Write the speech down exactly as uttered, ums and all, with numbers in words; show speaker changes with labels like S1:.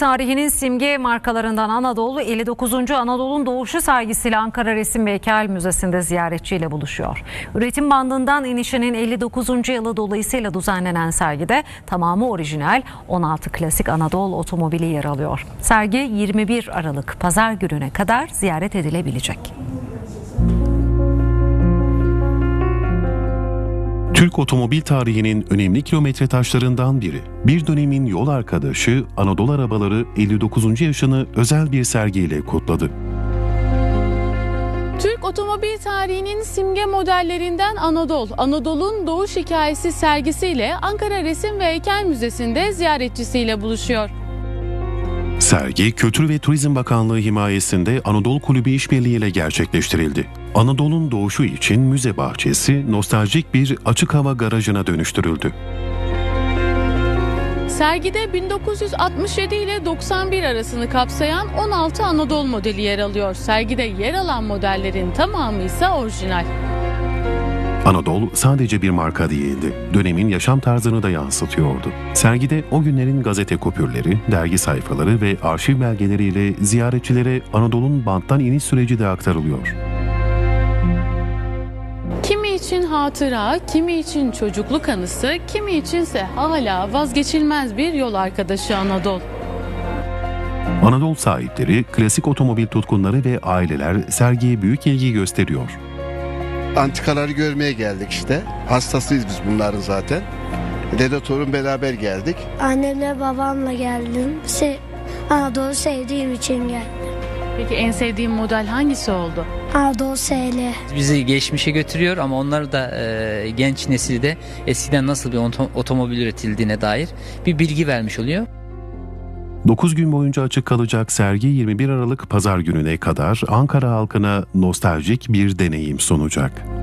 S1: Tarihinin simge markalarından Anadolu, elli dokuzuncu Anadolu'nun doğuşu sergisiyle Ankara Resim ve Heykel Müzesi'nde ziyaretçiyle buluşuyor. Üretim bandından inişinin elli dokuzuncu yılı dolayısıyla düzenlenen sergide tamamı orijinal on altı klasik Anadolu otomobili yer alıyor. Sergi yirmi bir Aralık Pazar gününe kadar ziyaret edilebilecek.
S2: Türk otomobil tarihinin önemli kilometre taşlarından biri. Bir dönemin yol arkadaşı Anadolu Arabaları elli dokuzuncu yaşını özel bir sergiyle kutladı.
S3: Türk otomobil tarihinin simge modellerinden Anadolu, Anadolu'nun doğuş hikayesi sergisiyle Ankara Resim ve Heykel Müzesi'nde ziyaretçisiyle buluşuyor.
S2: Sergi, Kültür ve Turizm Bakanlığı himayesinde Anadolu Kulübü işbirliği ile gerçekleştirildi. Anadolu'nun doğuşu için müze bahçesi nostaljik bir açık hava garajına dönüştürüldü.
S3: Sergide bin dokuz yüz altmış yedi ile doksan bir arasını kapsayan on altı Anadolu modeli yer alıyor. Sergide yer alan modellerin tamamı ise orijinal.
S2: Anadolu sadece bir marka değildi, dönemin yaşam tarzını da yansıtıyordu. Sergide o günlerin gazete kupürleri, dergi sayfaları ve arşiv belgeleriyle ziyaretçilere Anadolu'nun banttan iniş süreci de aktarılıyor.
S3: Kimi için hatıra, kimi için çocukluk anısı, kimi içinse hala vazgeçilmez bir yol arkadaşı Anadolu.
S2: Anadolu sahipleri, klasik otomobil tutkunları ve aileler sergiye büyük ilgi gösteriyor.
S4: Antikaları görmeye geldik işte. Hastasıyız biz bunların zaten. Dede torun beraber geldik.
S5: Annemle babamla geldim. Se Anadolu sevdiğim için geldim.
S3: Peki en sevdiğin model hangisi oldu?
S5: Anadolu S L.
S6: Bizi geçmişe götürüyor ama onlar da e, genç nesilde eskiden nasıl bir otom- otomobil üretildiğine dair bir bilgi vermiş oluyor.
S2: dokuz gün boyunca açık kalacak sergi yirmi bir Aralık Pazar gününe kadar Ankara halkına nostaljik bir deneyim sunacak.